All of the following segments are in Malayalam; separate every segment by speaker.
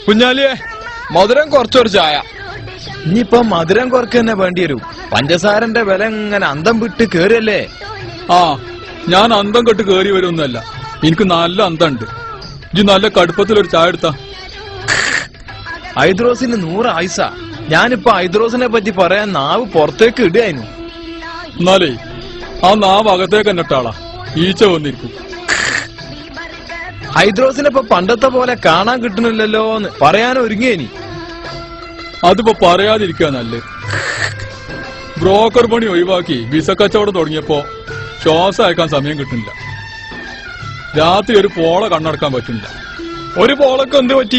Speaker 1: കുഞ്ഞാലിയെ മധുരം കുറച്ചൊരു ചായ. ഇനിയിപ്പൊ മധുരം കുറക്ക് തന്നെ വേണ്ടി വരൂ. പഞ്ചസാരന്റെ വില ഇങ്ങനെ അന്തം വിട്ട് കേറിയല്ലേ.
Speaker 2: ആ, ഞാൻ അന്തം കെട്ട് കേറി വരുമൊന്നുമല്ല. എനിക്ക് നല്ല അന്തമുണ്ട്. ഇജ്ജ് നല്ല കടുപ്പത്തിലൊരു ചായ എടുത്താ.
Speaker 1: ഹൈദ്രോസിന് 100 ആയുസ. ഞാനിപ്പോ ഹൈദ്രോസിനെ പറ്റി പറയാൻ നാവ് പുറത്തേക്ക് ഇടുകയായിരുന്നു.
Speaker 2: എന്നാലേ ആ നാവ് അകത്തേക്ക് തന്നെ ഇട്ടാളാ, ഈച്ച വന്നിരിക്കും.
Speaker 1: ഹൈദ്രോസിനെ ഇപ്പൊ പണ്ടത്തെ പോലെ കാണാൻ കിട്ടുന്നില്ലല്ലോ എന്ന് പറയാൻ ഒരുങ്ങിയേനി.
Speaker 2: അതിപ്പോ പറയാതിരിക്കുക നല്ലത്. ബ്രോക്കർ പണി ഒഴിവാക്കി വിസ കച്ചവടം തുടങ്ങിയപ്പോ ശ്വാസം അയക്കാൻ സമയം കിട്ടുന്നില്ല. രാത്രി ഒരു പോള കണ്ണടക്കാൻ പറ്റുന്നില്ല.
Speaker 1: ഒരു പോളൊക്കെ എന്ത് പറ്റി?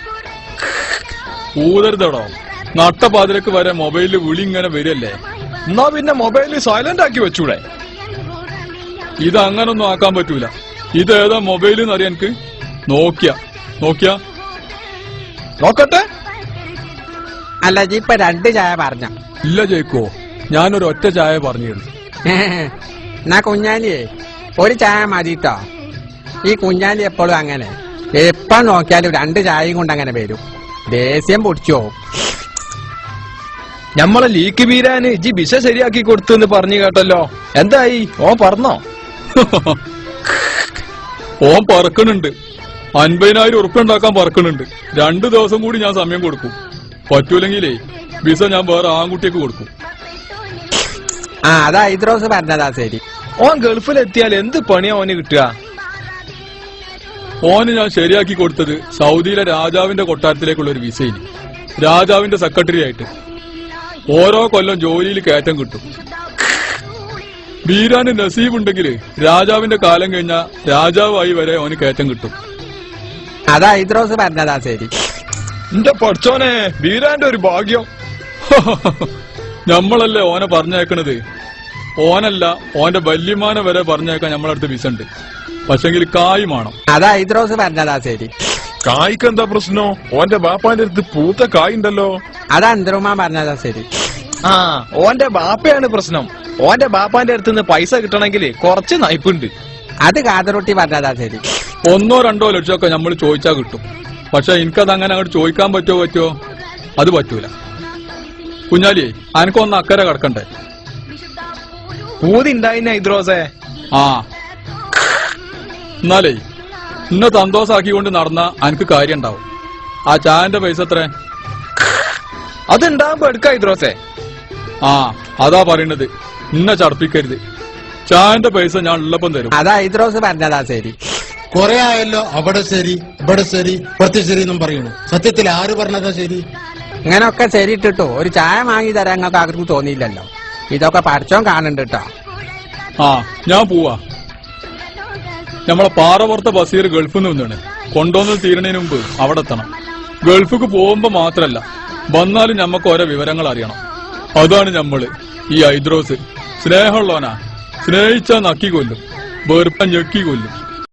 Speaker 2: ഊതരുതടോ, നട്ടപ്പാതിരക്ക് വരെ മൊബൈലിൽ വിളി ഇങ്ങനെ വരില്ലേ.
Speaker 1: എന്നാ പിന്നെ മൊബൈലിൽ സൈലന്റ് ആക്കി വെച്ചൂടെ?
Speaker 2: ഇത് അങ്ങനൊന്നും ആക്കാൻ പറ്റൂല. ഇതേതാ മൊബൈൽ എന്നറിയാൻ എനിക്ക്? നോക്കിയ
Speaker 1: നോക്കട്ടെ.
Speaker 3: അല്ല ഇപ്പൊ 2 ചായ പറഞ്ഞ?
Speaker 2: ഇല്ല ജയിക്കോ, ഞാനൊരു ഒറ്റ ചായ പറഞ്ഞിരുന്നു.
Speaker 3: എന്നാ കുഞ്ഞാലിയെ ഒരു ചായ മതിട്ടോ. ഈ കുഞ്ഞാലി എപ്പോഴും അങ്ങനെ, എപ്പോ നോക്കിയാലും 2 ചായയും കൊണ്ട് അങ്ങനെ വരും. ദേഷ്യം പൊടിച്ചോ.
Speaker 1: ഞമ്മളെ ലീക്ക് വീരാന് ഇജ്ജി വിസ ശരിയാക്കി കൊടുത്തു പറഞ്ഞു കേട്ടല്ലോ. എന്തായി? ഓൻ പറഞ്ഞോ?
Speaker 2: ഓൻ പറക്കണുണ്ട്. 50,000 ഉറുപ്പ്യ ഉണ്ടാക്കാൻ പറക്കണുണ്ട്. 2 ദിവസം കൂടി ഞാൻ സമയം കൊടുക്കും. പറ്റൂലെങ്കിലേ വിസ ഞാൻ വേറെ ആൺകുട്ടിക്ക് കൊടുക്കും.
Speaker 3: ആ, അതാ ഹൈദ്രോസ് പറഞ്ഞതാ. ശരി,
Speaker 1: ഓൻ ഗൾഫിലെത്തിയാൽ എന്ത് പണിയാ ഓന് കിട്ടുക?
Speaker 2: ഓന് ഞാൻ ശരിയാക്കി കൊടുത്തത് സൗദിയിലെ രാജാവിന്റെ കൊട്ടാരത്തിലേക്കുള്ള ഒരു വിസയിൽ രാജാവിന്റെ സെക്രട്ടറി ആയിട്ട്. ഓരോ കൊല്ലം ജോലിയിൽ കയറ്റം കിട്ടും. വീരാന് നസീബ് ഉണ്ടെങ്കിൽ രാജാവിന്റെ കാലം കഴിഞ്ഞാൽ രാജാവായി വരെ ഓന് കയറ്റം കിട്ടും.
Speaker 3: അതാ ഹൈദ്രോസ് പറഞ്ഞതാ. ശരി,
Speaker 1: എന്റെ പഠിച്ചോനെ, വീരാന്റെ ഒരു ഭാഗ്യം.
Speaker 2: നമ്മളല്ലേ ഓനെ പറഞ്ഞേക്കണത്. ഓനല്ല, ഓന്റെ വല്യമാനെ വരെ പറഞ്ഞേക്കാൻ നമ്മളടുത്ത് വിസ ഉണ്ട്. പക്ഷെങ്കിൽ കായ് വേണം.
Speaker 3: അതാ ഹൈദ്രോസ് പറഞ്ഞതാ. ശരി,
Speaker 1: കായ്ക്ക് എന്താ പ്രശ്നം? ഓന്റെ ബാപ്പാന്റെ അടുത്ത് പൂത്ത കായ് ഉണ്ടല്ലോ.
Speaker 3: അതാ അന്തരുമാ പറഞ്ഞതാ. ശരി,
Speaker 1: ആ, ഓന്റെ ബാപ്പയാണ് പ്രശ്നം. ഓന്റെ ബാപ്പാന്റെ അടുത്ത് നിന്ന് പൈസ കിട്ടണമെങ്കിൽ കുറച്ച് നയിപ്പുണ്ട്.
Speaker 3: അത് കാതറൊട്ടി പറഞ്ഞതാ. ശരി,
Speaker 2: 1-2 ലക്ഷമൊക്കെ നമ്മൾ ചോദിച്ചാ കിട്ടും. പക്ഷെ എനിക്കത് അങ്ങനെ അങ്ങോട്ട് ചോദിക്കാൻ പറ്റുമോ? അത് പറ്റൂല. കുഞ്ഞാലിയെ, അനക്കൊന്ന് അക്കരെ കിടക്കണ്ടേ?
Speaker 1: പൂതി ഉണ്ടായിന്ന ഹൈദ്രോസേ.
Speaker 2: ആ, എന്നാലേ ഇന്നെ സന്തോഷാക്കിക്കൊണ്ട് നടന്ന അനക്ക് കാര്യം ഉണ്ടാവും. ആ ചായന്റെ പൈസ എത്ര?
Speaker 1: അതുണ്ടാകുമ്പോ എടുക്ക ഹൈദ്രോസേ.
Speaker 2: ആ, അതാ പറയണത്. ഇന്നെ ചടപ്പിക്കരുത്. ചായന്റെ പൈസ ഞാൻ ഉള്ളപ്പം തരും.
Speaker 3: അതാ ഹൈദ്രോസ് പറഞ്ഞതാ. ശരി,
Speaker 4: കൊറേ ആയല്ലോ അവിടെ ശരി ഇവിടെ ശരി പുറത്ത് ശരി എന്നും പറയണു. സത്യത്തിൽ ആര് പറഞ്ഞതാ ശരി?
Speaker 3: ഇങ്ങനൊക്കെ ശരി ഇട്ടിട്ടോ ഒരു ചായ വാങ്ങി തരാൻ നിങ്ങൾക്ക് ആർക്കും തോന്നിയില്ലല്ലോ. ഇതൊക്കെ പഠിച്ചോൻ കാണുന്നുണ്ട് കേട്ടോ.
Speaker 2: ആ, ഞാൻ പോവാ. നമ്മളെ പാറപ്പുറത്തെ ബസീർ ഗൾഫിൽ നിന്ന് വന്നാണ്. കൊണ്ടുവന്ന് തീരണതിന് മുമ്പ് അവിടെ എത്തണം. ഗൾഫിക്ക് പോകുമ്പോ മാത്രല്ല, വന്നാലും ഞമ്മക്ക് ഓരോ വിവരങ്ങൾ അറിയണം. അതാണ് ഞമ്മള്. ഈ ഹൈദ്രോസ് സ്നേഹമുള്ളവനാ. സ്നേഹിച്ചാ നക്കി കൊല്ലും, വെറുപ്പം ഞെക്കി കൊല്ലും.